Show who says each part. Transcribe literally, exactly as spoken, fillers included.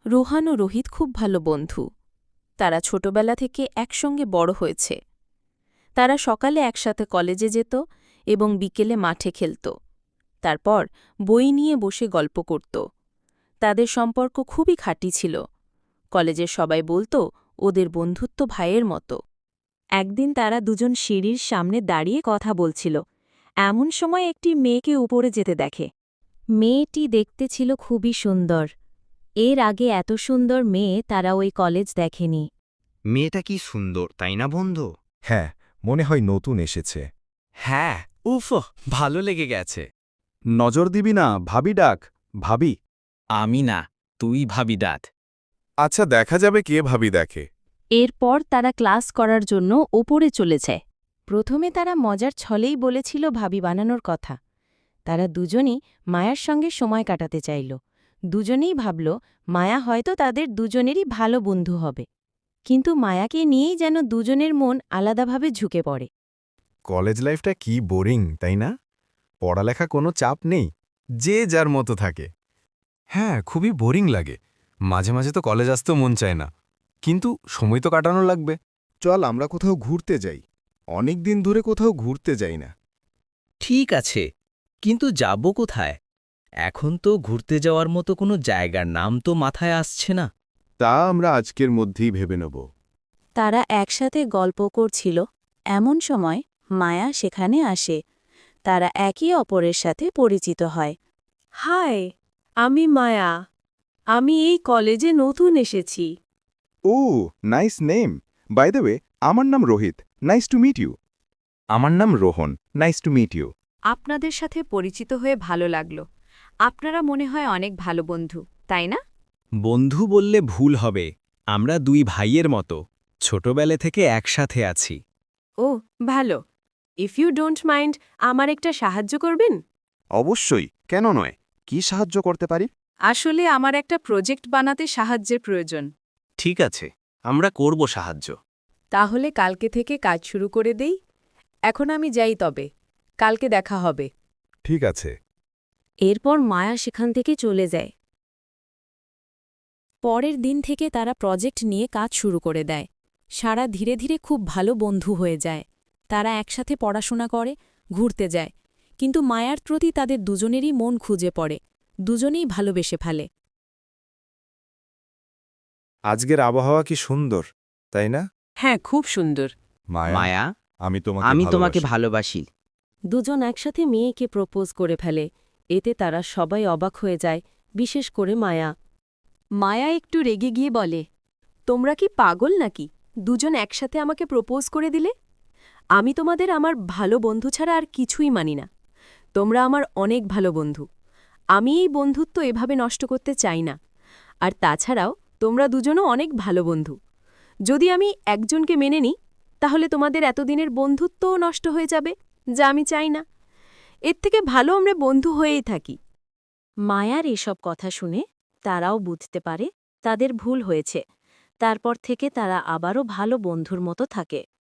Speaker 1: রোহান ও রোহিত খুব ভালো বন্ধু। তারা ছোটবেলা থেকে একসঙ্গে বড় হয়েছে। তারা সকালে একসাথে কলেজে যেত এবং বিকেলে মাঠে খেলত। তারপর বই নিয়ে বসে গল্প করত। তাদের সম্পর্ক খুবই খাঁটি ছিল। কলেজের সবাই বলত ওদের বন্ধুত্ব ভাইয়ের মতো।
Speaker 2: একদিন তারা দুজন সিঁড়ির সামনে দাঁড়িয়ে কথা বলছিল। এমন সময় একটি মেয়েকে উপরে যেতে দেখে। মেয়েটি দেখতে ছিল খুবই সুন্দর। এর আগে এত সুন্দর মেয়ে তারা ওই কলেজ দেখেনি।
Speaker 3: মেয়েটা কি সুন্দর, তাই না বন্ধু?
Speaker 4: হ্যাঁ, মনে হয় নতুন এসেছে।
Speaker 5: হ্যাঁ, উফ, ভালো লেগে গেছে।
Speaker 4: নজর দিবি না, ভাবি ডাক, ভাবি।
Speaker 5: আমি না, তুই ভাবি ডাক।
Speaker 4: আচ্ছা, দেখা যাবে কে ভাবি দেখে।
Speaker 1: এরপর তারা ক্লাস করার জন্য ওপরে চলেছে। প্রথমে তারা মজার ছলেই বলেছিল ভাবি বানানোর কথা। তারা দুজনই মায়ার সঙ্গে সময় কাটাতে চাইল। দুজনেই ভাবল মায়া হয়তো তাদের দুজনেরই ভালো বন্ধু হবে। কিন্তু মায়াকে নিয়েই যেন দুজনের মন আলাদাভাবে ঝুঁকে পড়ে।
Speaker 4: কলেজ লাইফটা কি বোরিং, তাই না? পড়ালেখা কোনো চাপ নেই, যে যার মতো থাকে। হ্যাঁ, খুবই বোরিং লাগে। মাঝে মাঝে তো কলেজ আসতেও মন চায় না, কিন্তু সময় তো কাটানো লাগবে। চল আমরা কোথাও ঘুরতে যাই। অনেক দিন ধরে কোথাও ঘুরতে যাই না।
Speaker 6: ঠিক আছে, কিন্তু যাব কোথায়? এখন তো ঘুরতে যাওয়ার মতো কোনো জায়গার নাম তো মাথায় আসছে না।
Speaker 4: তা আমরা আজকের মধ্যেই ভেবে নেব।
Speaker 2: তারা একসাথে গল্প করছিল, এমন সময় মায়া সেখানে আসে। তারা একে অপরের সাথে পরিচিত হয়।
Speaker 7: হাই, আমি মায়া। আমি এই কলেজে নতুন এসেছি।
Speaker 4: ও, nice name. By the way, আমার নাম Rohit. Nice to meet you. আমার নাম Rohan. Nice to meet you.
Speaker 8: আপনাদের সাথে পরিচিত হয়ে ভালো লাগলো। আপনারা মনে হয় অনেক ভালো বন্ধু, তাই না?
Speaker 6: বন্ধু বললে ভুল হবে। আমরা দুই ভাইয়ের মতো ছোটবেলা থেকে একসাথে আছি।
Speaker 7: ও, ভালো। ইফ ইউ ডোন্ট মাইন্ড, আমার একটা সাহায্য করবেন?
Speaker 4: অবশ্যই, কেন নয়? কি সাহায্য করতে পারি?
Speaker 8: আসলে আমার একটা প্রজেক্ট বানাতে সাহায্যের প্রয়োজন।
Speaker 6: ঠিক আছে, আমরা করব সাহায্য।
Speaker 7: তাহলে কালকে থেকে কাজ শুরু করে দেই। এখন আমি যাই, তবে কালকে দেখা হবে।
Speaker 4: ঠিক আছে।
Speaker 2: এরপর মায়া সেখান থেকে চলে যায়। পরের দিন থেকে তারা প্রজেক্ট নিয়ে কাজ শুরু করে দেয়। সারা ধীরে ধীরে খুব ভালো বন্ধু হয়ে যায়। তারা একসাথে পড়াশোনা করে, ঘুরতে যায়। কিন্তু মায়ার প্রতি তাদের দুজনেরই মন খুঁজে পড়ে। দুজনেই ভালোবেসে ফেলে।
Speaker 4: আজকের আবহাওয়া কি সুন্দর, তাই না?
Speaker 7: হ্যাঁ, খুব সুন্দর।
Speaker 3: মায়া,
Speaker 4: আমি তোমাকে
Speaker 3: আমি তোমাকে
Speaker 4: ভালোবাসি।
Speaker 3: ভালোবাসি।
Speaker 2: দুজন একসাথে মেয়েকে প্রপোজ করে ফেলে। এতে তারা সবাই অবাক হয়ে যায়, বিশেষ করে মায়া।
Speaker 7: মায়া একটু রেগে গিয়ে বলে, তোমরা কি পাগল নাকি? দুজন একসাথে আমাকে প্রপোজ করে দিলে? আমি তোমাদের আমার ভালো বন্ধু ছাড়া আর কিছুই মানি না। তোমরা আমার অনেক ভালো বন্ধু। আমি এই বন্ধুত্ব এভাবে নষ্ট করতে চাই না। আর তাছাড়াও তোমরা দুজনও অনেক ভালো বন্ধু। যদি আমি একজনকে মেনে নিই, তাহলে তোমাদের এতদিনের বন্ধুত্বও নষ্ট হয়ে যাবে, যা আমি চাই না। এর থেকে ভালো আমরা বন্ধু হয়েই থাকি।
Speaker 2: মায়ার এসব কথা শুনে তারাও বুঝতে পারে তাদের ভুল হয়েছে। তারপর থেকে তারা আবারও ভালো বন্ধুর মতো থাকে।